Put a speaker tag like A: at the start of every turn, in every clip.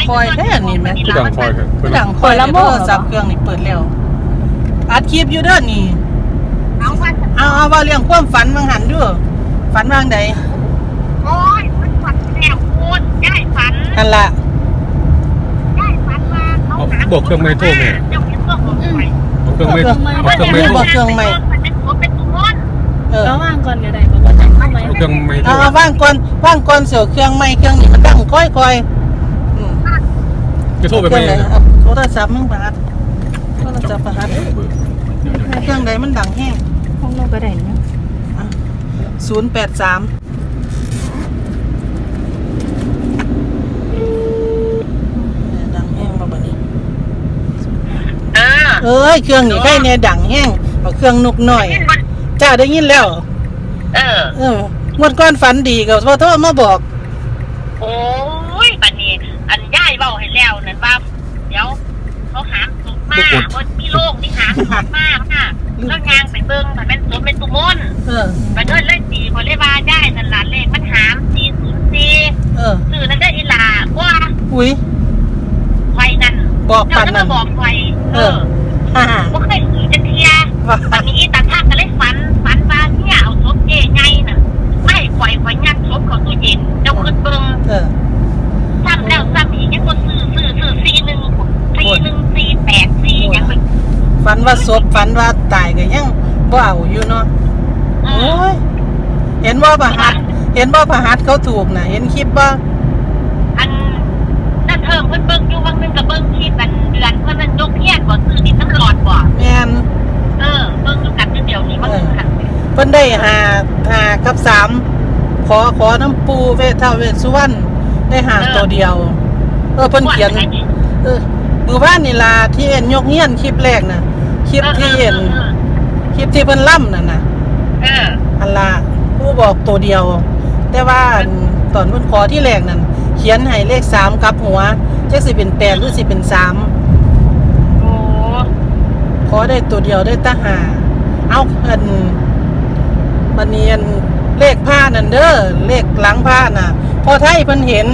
A: คอยแท้นี่แม่
B: คือดังคอยครับ
A: คือดังคอยแล้วโทรศัพท์เครื่องนี่เปิดแล้วอัดคลิปอยู่เด้อนี่เอาว่าเรื่องความฝันบางหันด้วยฝันบางใด
C: โอ้ยมันฝันแล้วคุณย่ายฝัน
A: นั่นล่ะ
C: ย่ายฝันว่าเขาหาเจ้าเห็นเรื่องของใคร
B: เอาเครื่องไม่เอาเครื่องไม่
A: บ
B: โท
A: อกเครื่องใหม่
C: เป็นตัวเป็นตัวมอน
D: แล้วว่างก่อนก็ได้ก็บ่จักเข้าไหม
B: เอาเครื่องไม่โท
A: เอาว่างก่อนเสียวเครื่องใหม่เครื่องนี้มันดังค่อยๆ
B: จะโทรไป
A: เค
B: ไหม
A: รื่องไหนเอาโทรศัพท์มึงประหัดโทรศัพท์ประหัดเครื่องใดมันดังแห้ง
D: ห้องเราก็ได้นะ
A: 083ดังแห้งมาบัดนี้เอ้ยเครื่องนี่ใครเนี่ยดังแห้งเอาเครื่องนุกหน่อยจ้าได้ยินแล้วงวดก้อนฝันดีก็พอโทรมาบอก
C: โอ้ยบัดนี้อันย่ายเบาให้แล้วนั่นว่าเดี๋ยวเขาหามศพมาว่ามีโรคที่หามศพมากค่ะแล้วยางไปเบิ่งมันเป็นศพเป็นตุมนไปเดินเล่นตีพอเลยว่าย่ายนั่นหลานเลขมันหาม404สื่อนั่นได้อีหลาว่า
A: อุ้ย
C: ไฟนั่น
A: บอกปัน
C: นั่
A: นั่
C: น
A: น
C: บอกไฟ
A: ฮ่า
C: ว่าเคยสื่อจะเทียวันนี้ตาท่าก็เลยฝันว่าเนี่ยเอาศพเจ๊ไงน่ะไม่ไฟยัดศพเขาตู้เย็นเจ้าขึ้นเบิ่งซ้ำแล้วซ้ำอีกยังบ่ซื้อ414148ยังไป
A: ฝันว่าศพฝันว่าตายก็ยังบ่เอาอยู่เนาะโอ้ยเห็นว่าประหัดเขาถูกน่ะเห็นคลิปบ่
C: อันนั่นเพิ่มเพิ่นเบิ่งอยู่บางนึงก็เบิ่งคลิปกันเดือนเพิ่นนั่นยกเฮียนบ่ซื้อดินน้ำหลอดบ่
A: แม่น
C: เบิ่งอยู่กันเดี๋ยวนี้มันหัน
A: เพิ่นได้5กับ3ขอน้ำปูเวทท้าวเวสสุวรรณได้5ตัวเดียวเพิ่นเขียนมื้อวานนี่ล่ะที่เห็นยกเฮียนคลิปแรกน่ะคลิปที่เห็นคลิปที่เพิ่นล่ำนั่นน่ะอันล่ะผู้บอกตัวเดียว แต่ว่าตอนเพิ่นขอที่แรกนั่นเขียนให้เลข3กับหัวจักสิเป็น8หรือสิเป็น3
C: โอ้
A: ขอได้ตัวเดียวได้ตาหาเอาบัดนี้เลขผ้านั่นเด้อเลขหลังผ้าน่ะพอไทยเพิ่นเห็น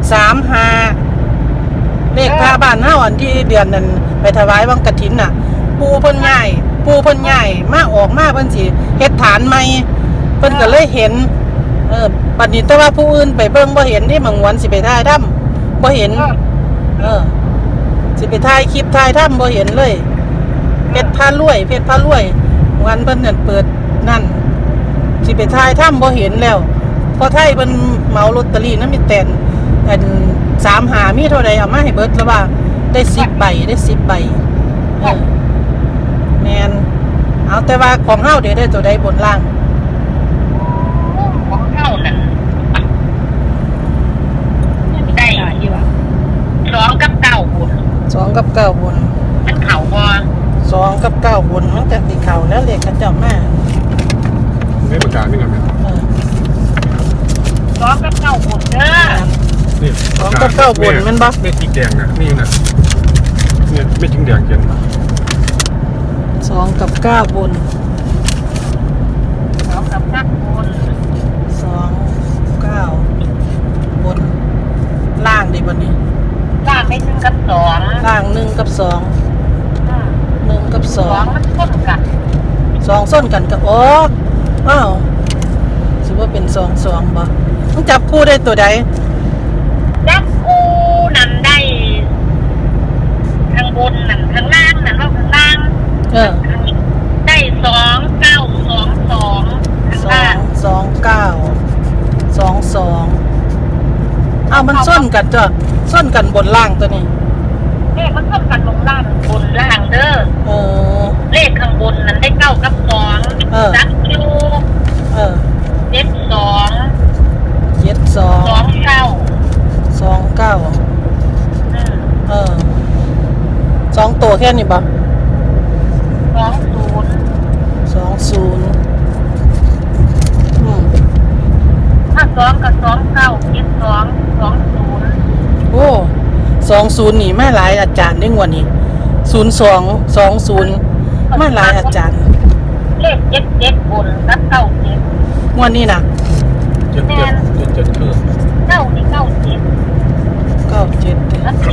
A: 35เลขผ้าบ้านเฮาอันที่เดือนนั้นไปถวายวังกฐินน่ะปูเพิ่นย้ายมาออกมาเพิ่นสิเฮ็ดฐานใหม่เพิ่นก็เลยเห็นบัดนี้แต่ว่าผู้อื่นไปเบิ่งบ่เห็นนี่บางวันสิไปถ่ายถ้ำบ่เห็นสิไปถ่ายคลิปถ่ายถ้ำบ่เห็นเลยเพชรพารวยวันเพิ่นนั่นเปิดนั่นสิไปถ่ายถ้ำบ่เห็นแล้วพอไทยเพิ่นเหมาลอตเตอรี่นำมีแต่อัน35มีเท่าใดเอามาให้เบิดแล้วว่าได้10ใบแม่นเอาแต่ว่าของเฮาได้ตัวใดบนล่าง
C: ของเข้านั่นได้
D: ดีว่ะ
C: 2กับ9บุญ
A: 2กับ9บน
C: มันเข่าบ่
A: 2กับ9บนมันก็สิเข้าแล้วเลขเขาเจ้ามา
B: ไม่ประกาศนี่ไงแม่
C: 2กับ9บุญเด้อ
B: นี่
A: 2กับ9บนมันบ่
B: ไม่สีแดงนะนี่นะเนี่ยไม่จิ้งแดงเขียน
A: 2กับ9บน
C: 2กับ9บุญ
A: 2 9บนล่างดิบัดนี้
C: ล่างไม่ถึงกับ2
A: ล่าง1กับ2 1กับ
C: 2มันต้นกัน
A: 2 2ส้นกันกับอ้าวสิว่าเป็น2 2บ่ต้องจับคู่ได้ตัวใด
C: จับคู่นั่นได้ข้างบนนั่นข้างล่างนั่นว่าข้างล่างได้2922ข้างล่าง
A: 2 9 2 2มันส้นกันจ้ะส้นกันบนล่างตัวนี้
C: เลขมันต้นกันลงล่างบนล่างเด้อ เลขข้างบนนั้นได้9กับ2จับอยู่72 29 2ตัวแค่นี้ป่ะ20 ถ้า2กับ29 72 20
A: โอ้20นี่ไม่หลายอาจารย์ได้งวดนี้02 20ไม่หลายอาจารย์
C: เลข77บนกับ97
A: งวดนี้น่ะ
B: เจ็ดคือ
C: 9นี่97
A: 97
C: กับ7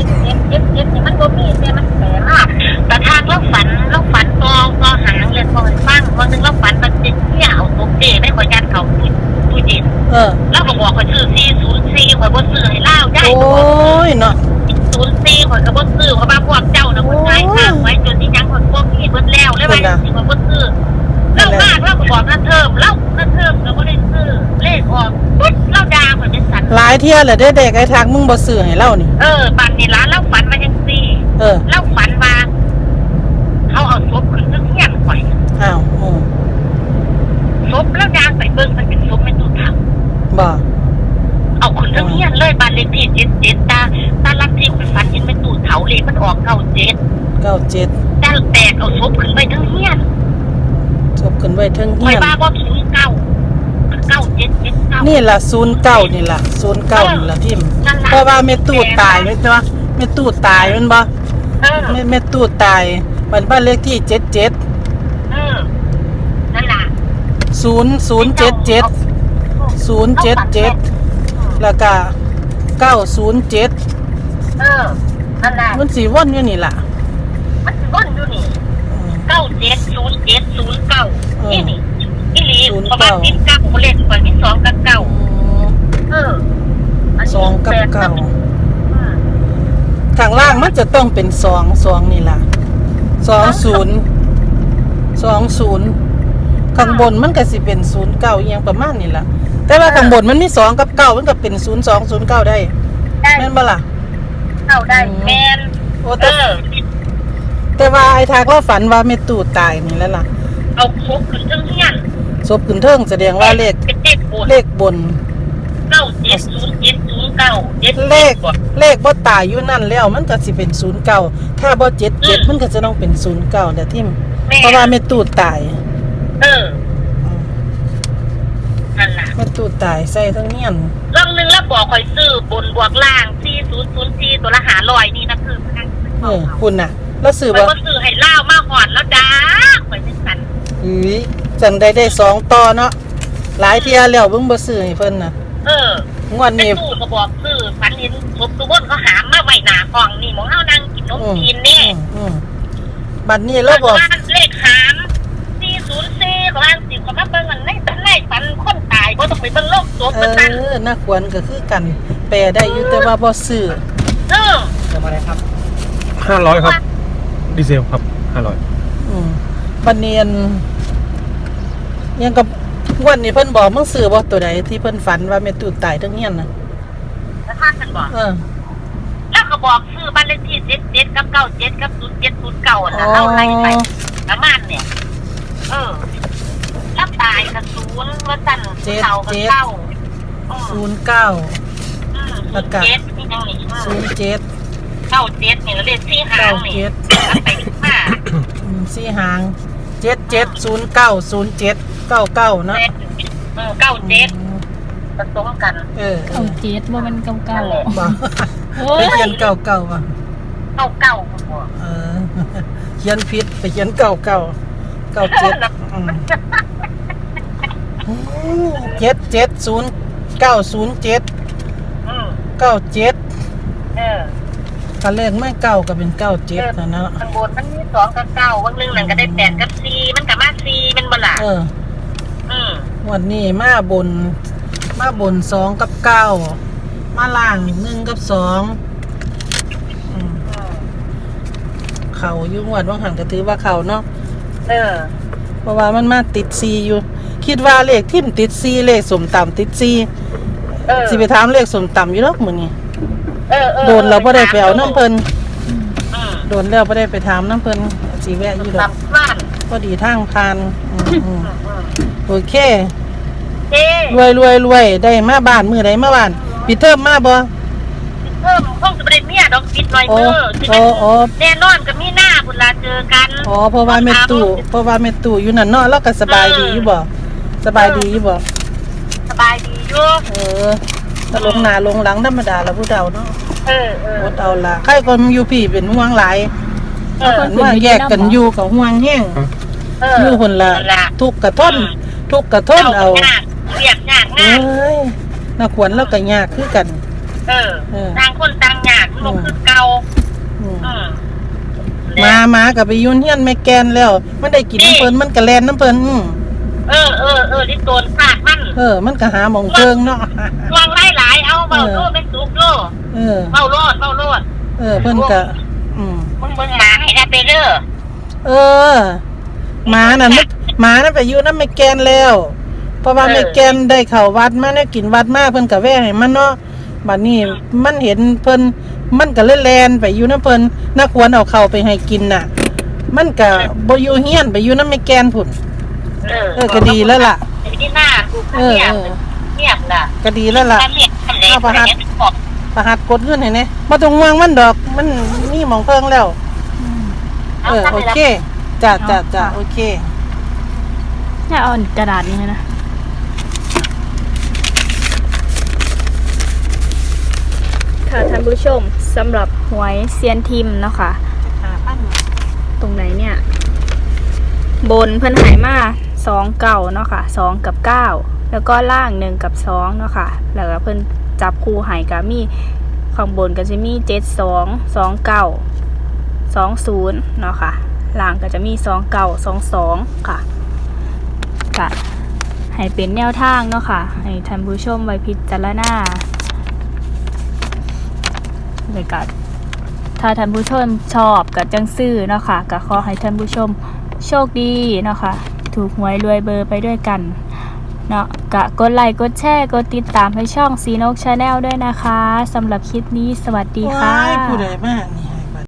C: บอกข่อยซื้อ404ข่อยบ่ซื้อให้เล่าได้
A: โอ้ยเนาะ
C: 04ข่อยก็บ่ซื้อเพราะว่าพวกเจ้าน่ะคนขายข้างไว้จนที่ยังข่อยบ่มีเบิดแล้วเลยว่าสิข่อยบ่ซื้อเล่ามากเราก็บอกนั่นเทิมเรานั่นเทิมก็บ่ได้ซื้อเลขออกปุ๊บเราด่าข่อยเป็นสัตว์
A: หลายเที่ยแหละเด้อเด็กไอ้ทางมึงบ่ซื้อให้เรานี่
C: บัดนี้ร้านเราฝันว่าจังซี่ เราฝันว่าเขาเอาศพขึ้นเฮียนข่อย
A: อ้าวโอ้
C: ศพแล้วยางไปเบิ่งมันเป็นศพแม่ตู้เฒ่า
A: บ่
C: เอาขึ้นเฮียนเลยบ้านเลขที่77ตาลักที่ข่อยฝันเห็นแม่ตู้เฒ่าเลขมันออก97
A: 97
C: แต่แตกเอาศพขึ้นไปทั้งเฮียน
A: จบกันไว้เทิง
C: ข่
A: เฮี
C: อย
A: ยน
C: ว่าบ่ถึง9779
A: นี่ล่ะ09นี่ล่ะ09นี่ล่ะพิมพ์เพราะว่าแม่ตู้ตายแม่นบ่แม่ตู้ตายแม่นบ่แม่ตู้ตายบ้านเลขที่77
C: นั่นล่ะ
A: 077แล้วก็907
C: นั่นล่ะ
A: มันสิวนอยู่นี่ล่ะ
C: มันสิวนอยู่นี่970709นี่อีหลีประมาณ10กับเลขข่อยมี2กับ9
A: 2กับ9ข้างล่างมันจะต้องเป็น2นี่ล่ะ20ข้างบนมันก็สิเป็น09อีหยังประมาณนี้ล่ะแต่ว่าข้างบนมันมี2กับ9มันก็เป็น0209ได้แม่นบ่ล่ะ
C: เข้าได้แม่น
A: โอ้แต่ว่าไอ้ทากเราฝันว่าแม่ตู่ตายนี่แล้วล่ะ
C: เอาครบขึ้นทั้งเฮียน
A: ศพขึ้นเทิงแสดงว่าเลข
C: เป็น
A: เลขบน
C: 970709
A: เลขบ่ตายอยู่นั่นแล้วมันก็สิเป็น09ถ้าบ่77มันก็จะต้องเป็น09เด้อทิมเพราะว่าแม่ตู่ตาย
C: นั่นล่ะ
A: แม่ตู่ตายใส่ทั้งเฮียน
C: รอบนึงแล้วบอกข่อยซื้อบนบวกล่าง4004ตัวละ500นี่นะคือพนัก
A: คุณน่ะแล้วซื้อ
C: ข่อย
A: บ่
C: บ่ซื้อให้ล่าวมาหอดแล้วจ้าข่อยจังซั่น
A: จังได้2ต่อเนาะหลายเที่ยแล้วเบิ่งบ่ซื้อให้เพิ่นน่ะงวด
C: แม่
A: นี้
C: ตู้ก็บอกซื้อฝันเห็นศพทุกคนเขาหามมาไว้หน้าห้องนี่หมองเฮานั่งกินนมจีนนี่
A: บัดนี้เราบอก
C: เลขหาม404ของอัน10ของมาเบิ่งอันในฝันคนตายบ่ต้องไปเบิ่งโลกศพมันนั่น
A: น่าควรก็คือกันแปลได้อยู่แต่ว่าบ่ซื้อ
B: 500ครับดีเซลครับ500
A: บัดนี้ยังกับวันนี้เพิ่นบอกมึงซื้อบ่ตัวใดที่เพิ่นฝันว่าแม่ตู่ตายทั้งเฮียนน่ะ
C: แล้วท่านกันบอกแล้วก็บอกซื้อบ้านเลขที่77กับ97กับ0709น่ะเอาไล่ไปประมาณเนี่ยแล้วตายกับ0ว่าซั่นเก่ากับเก่า
A: 09แล้วก็
C: นี่จังนี่
A: 07
C: 97นี่เลข4หางนี่ไป5
A: 4หาง77090799เนาะ
C: 97ผสมกัน
D: 97บ่มันเก่าๆ
A: บ่
D: โอ้
A: ไป
D: ย
A: เขียน99บ่
C: 99บ่
A: เขียนผิดไปเขียน97970907 กันเลขไม่เก้าก็เป็น97นะเนาะ
C: ข้างบนมันมี2กับ9วันนึงนั่นก็ได้8กับ4มันก็มา4มันบ่ล่ะ
A: วันนี้มาบน2กับ9มาล่าง1กับ2เขาอยู่งวดว่างหันก็ถือว่าเขาเนาะเพราะว่ามันมาติด4อยู่คิดว่าเลขทิ่มติด4เลขสมต่ำติด4สิไปถามเลขสมต่ำอยู่ดอกมื้อนี้โดนเราบ่ได้ไปเอาน้ำเพิ่นโดนแล้วบ่ได้ไปถามน้ำเพิ่นสิแวะอยู่ดอกพอดีทางผ่านโอเครวยได้มาบ้านมื้อใดมาบ้านปิดเทอมมาบ่
C: คงจะบ่ได้เมียดอกปิดหน่อยแน่นอนก็มีหน้าพุ่นล่ะเจอกัน
A: เพราะว่าแม่ตู่อยู่นั่นเนาะแล้วก็สบายดีอยู่บ่สบายดีอยู่ถ้าลงหน้าลงหลังธรรมดาแล้วผู้เฒ่าเนาะอดเอาล่ะใครก็อยู่พี่เป็นห่วงหลายว่าแยกกันอยู่ก็ห่วงแฮงอยู่คนละทุกข์กระทนเอา
C: เรียบยากงาน
A: น่าควรแล้วก็ยากคือกัน
C: ต่างคนต่างยากลูกคือเก่า
A: มาก็ไปยุ่นเฮียนแม่แกนแล้วมันได้กินน้ำเพิ่นมันก็แล่นน้ำเพิ่น
C: ลิ้นโดนปากมัน
A: มันก็หาหมองเพิงเนาะ
C: วางหลายเอาเบาโลดเป็นสุกโลเบาโลด
A: เพิ่นก็
C: มึงหมาให้ได้ไปเด้อ
A: หมานั่นไปอยู่นำแม่แกนแล้วเพราะว่าแม่แกนได้เข้าวัดมาได้กินวัดมาเพิ่นก็แว่ให้มันเนาะบัดนี้มันเห็นเพิ่นมันก็เลยแลนไปอยู่นำเพิ่นน่าควรเอาเข้าไปให้กินน่ะมันก็บ่อยู่เฮียนไปอยู่นำแม่แกนพุ่นก็ดีแล้วล่ะ
C: ที่หน้าเงียบน่ะ
A: ก็ดีแล้วล่ะเอาประหัดกดเงินให้แน่บ่ต้องห่วงมันดอกมันมีหม่องเพิงแล้วโอเคจ้ะโอเค
D: อย่าเอากระดาษนี้นะค่ะท่านผู้ชมสำหรับหวยเซียนทิมเนาะค่ะตรงไหนเนี่ยบนเพิ่นหายมา2 เก่าเนาะค่ะ2 กับ 9แล้วก็ล่าง1 กับ 2เนาะค่ะแล้วก็เพิ่นจับคู่หายก็มีข้างบนก็จะมี72 29 20เนาะค่ะล่างก็จะมี29 22ค่ะก็ให้เป็นแนวทางเนาะค่ะให้ท่านผู้ชมไว้พิจารณาเลยก็ถ้าท่านผู้ชมชอบก็จังซื้อเนาะค่ะก็ขอให้ท่านผู้ชมโชคดีเนาะค่ะถูกหวยรวยเบอร์ไปด้วยกันเนาะกะกดไลค์กดแชร์กดติดตามให้ช่องซีนกชาแนลด้วยนะคะสำหรับคลิปนี้สวัสดีค่ะ
A: ผู้ใดมากนี่